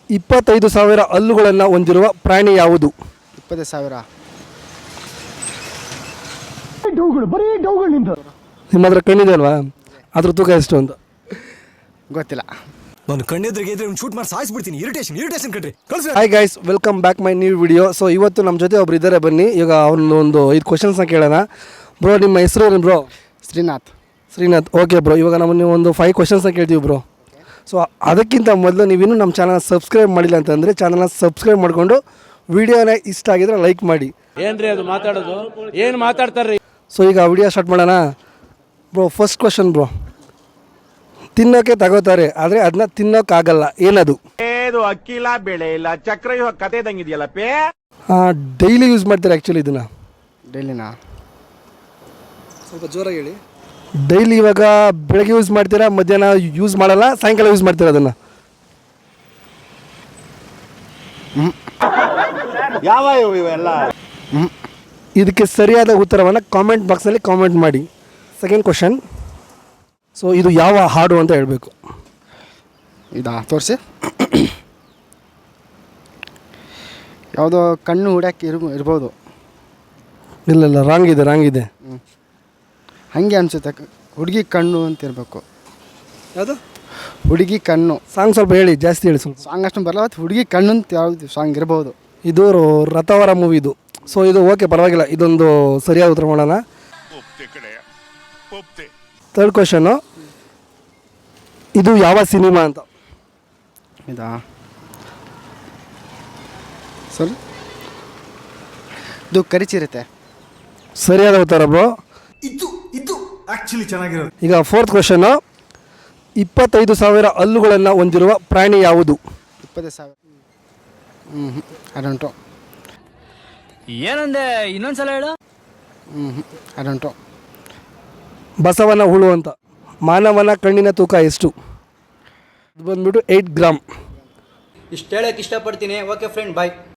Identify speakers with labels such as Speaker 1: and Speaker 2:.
Speaker 1: 25,000 ಹಲ್ಲುಗಳನ್ನು ಹೊಂದಿರುವ ಪ್ರಾಣಿ ಯಾವುದು?
Speaker 2: 20,000.
Speaker 1: ನಿಮ್ಮ ಹತ್ರ ಕಣ್ಣಿದೆ ಅಲ್ವಾ, ಅದ್ರ ತೂಕ ಎಷ್ಟು ಅಂತ
Speaker 2: ಗೊತ್ತಿಲ್ಲ.
Speaker 3: ನಾನು ಕಣ್ಣೆದ್ರಿಗೆ ಶೂಟ್ ಮಾಡಿ ಸಾಯಿಸ್ಬಿಡ್ತೀನಿ. ಇರಿಟೇಷನ್ ಕಣ್ರಿ.
Speaker 1: Hi guys, welcome back my new video. So ಇವತ್ತು ನಮ್ಮ ಜೊತೆ ಒಬ್ರು ಇದ್ದಾರೆ, ಬನ್ನಿ ಈಗ ಅವ್ರನ್ನ ಒಂದು 5 ಕ್ವಶನ್ಸ್ನ ಕೇಳೋಣ. ಬ್ರೋ, ನಿಮ್ಮ ಹೆಸರು ಏನು ಬ್ರೋ? ಶ್ರೀನಾಥ್. ಓಕೆ ಬ್ರೋ, ಇವಾಗ ನಾವು ಒಂದು 5 ಕ್ವಶನ್ಸ್ನ ಕೇಳ್ತೀವಿ ಬ್ರೋ. ಸೊ ಅದಕ್ಕಿಂತ ಮೊದಲು ನೀವಿನ್ನೂ ನಮ್ಮ ಚಾನಲ್ ಸಬ್ಸ್ಕ್ರೈಬ್ ಮಾಡಿಲ್ಲ ಅಂತಂದರೆ ಚಾನಲ್ನ ಸಬ್ಸ್ಕ್ರೈಬ್ ಮಾಡಿಕೊಂಡು ವಿಡಿಯೋನ ಇಷ್ಟ ಆಗಿದ್ರೆ ಲೈಕ್ ಮಾಡಿ.
Speaker 4: ಏನ್ರಿ ಅದು ಮಾತಾಡೋದು, ಏನು ಮಾತಾಡ್ತಾರ್ರಿ?
Speaker 1: ಸೊ ಈಗ ವಿಡಿಯೋ ಸ್ಟಾರ್ಟ್ ಮಾಡೋಣ ಬ್ರೋ. ಫಸ್ಟ್ ಕ್ವಶನ್ ಬ್ರೋ, ತಿನ್ನೋಕೆ ತಗೋತಾರೆ ಆದರೆ ಅದನ್ನ ತಿನ್ನೋಕ್ಕಾಗಲ್ಲ, ಏನದು?
Speaker 5: ಇದು ಅಕ್ಕಿ ಇಲ್ಲ, ಬೆಳೆ ಇಲ್ಲ, ಚಕ್ರ ಕತೆ ಇದಂಗಿದೆಯಲ್ಲ ಪೇ.
Speaker 1: ಡೈಲಿ ಯೂಸ್ ಮಾಡ್ತಾರೆ ಆ್ಯಕ್ಚುಲಿ ಇದನ್ನು.
Speaker 2: ಡೈಲಿನಾ?
Speaker 1: ಸ್ವಲ್ಪ ಜೋರಾಗಿ ಹೇಳಿ. ಡೈಲಿ ಇವಾಗ ಬೆಳಗ್ಗೆ ಯೂಸ್ ಮಾಡ್ತೀರಾ, ಮಧ್ಯಾಹ್ನ ಯೂಸ್ ಮಾಡಲ್ಲ, ಸಾಯಂಕಾಲ ಯೂಸ್ ಮಾಡ್ತೀರಾ ಅದನ್ನು.
Speaker 5: ಯಾವ ಇವೆಲ್ಲ?
Speaker 1: ಇದಕ್ಕೆ ಸರಿಯಾದ ಉತ್ತರವನ್ನು ಕಾಮೆಂಟ್ ಬಾಕ್ಸಲ್ಲಿ ಕಾಮೆಂಟ್ ಮಾಡಿ. ಸೆಕೆಂಡ್ ಕ್ವಶನ್, ಸೊ ಇದು ಯಾವ ಹಾಡು ಅಂತ ಹೇಳಬೇಕು.
Speaker 2: ಇದಾ ತೋರಿಸಿ. ಯಾವುದೋ ಕಣ್ಣು ಹುಡ್ಯಾಕೆ ಇರ್ಬೋದು.
Speaker 1: ಇಲ್ಲ, ರಾಂಗ್ ಇದೆ.
Speaker 2: ಹಾಗೆ ಅನಿಸುತ್ತೆ. ಹುಡುಗಿ ಕಣ್ಣು ಅಂತ ಇರಬೇಕು.
Speaker 1: ಯಾವುದು?
Speaker 2: ಹುಡುಗಿ ಕಣ್ಣು.
Speaker 1: ಸಾಂಗ್ ಸ್ವಲ್ಪ ಹೇಳಿ, ಜಾಸ್ತಿ ಹೇಳಿ ಸ್ವಲ್ಪ.
Speaker 2: ಸಾಂಗ್ ಅಷ್ಟು ಬರಲ್ಲ, ಹುಡುಗಿ ಕಣ್ಣು ಅಂತ ಯಾವುದು ಸಾಂಗ್ ಇರ್ಬೋದು.
Speaker 1: ಇದು ರಥವರ ಮೂವಿದು. ಸೊ ಇದು ಓಕೆ, ಪರವಾಗಿಲ್ಲ, ಇದೊಂದು ಸರಿಯಾದ ಉತ್ತರ ಮಾಡೋಣ. ಥರ್ಡ್ ಕ್ವಶನ್ನು, ಇದು ಯಾವ ಸಿನಿಮಾ ಅಂತ?
Speaker 2: ಇದಾ ಸರ್, ಇದು ಕರಿಚಿರುತ್ತೆ.
Speaker 1: ಸರಿಯಾದ ಉತ್ತರ ಬ್ರೋ.
Speaker 3: ಇದು ಆಕ್ಚುಲಿ ಚೆನ್ನಾಗಿರೋದು.
Speaker 1: ಈಗ ಫೋರ್ತ್ ಕ್ವಶನ್ನು, 25,000 ಹಲ್ಲುಗಳನ್ನು ಹೊಂದಿರುವ ಪ್ರಾಣಿ ಯಾವುದು?
Speaker 2: 20,000. ಅಡಂಟು.
Speaker 4: ಏನಂದೆ, ಇನ್ನೊಂದ್ಸಲ ಹೇಳು.
Speaker 2: ಅಡಂಟು.
Speaker 1: ಬಸವನ ಹುಳು ಅಂತ. ಮಾನವನ ಕಣ್ಣಿನ ತೂಕ ಎಷ್ಟು? ಇದು ಬಂದ್ಬಿಟ್ಟು 8 ಗ್ರಾಮ್.
Speaker 6: ಇಷ್ಟು ಹೇಳಕ್ಕೆ ಇಷ್ಟಪಡ್ತೀನಿ. ಓಕೆ ಫ್ರೆಂಡ್, ಬಾಯ್.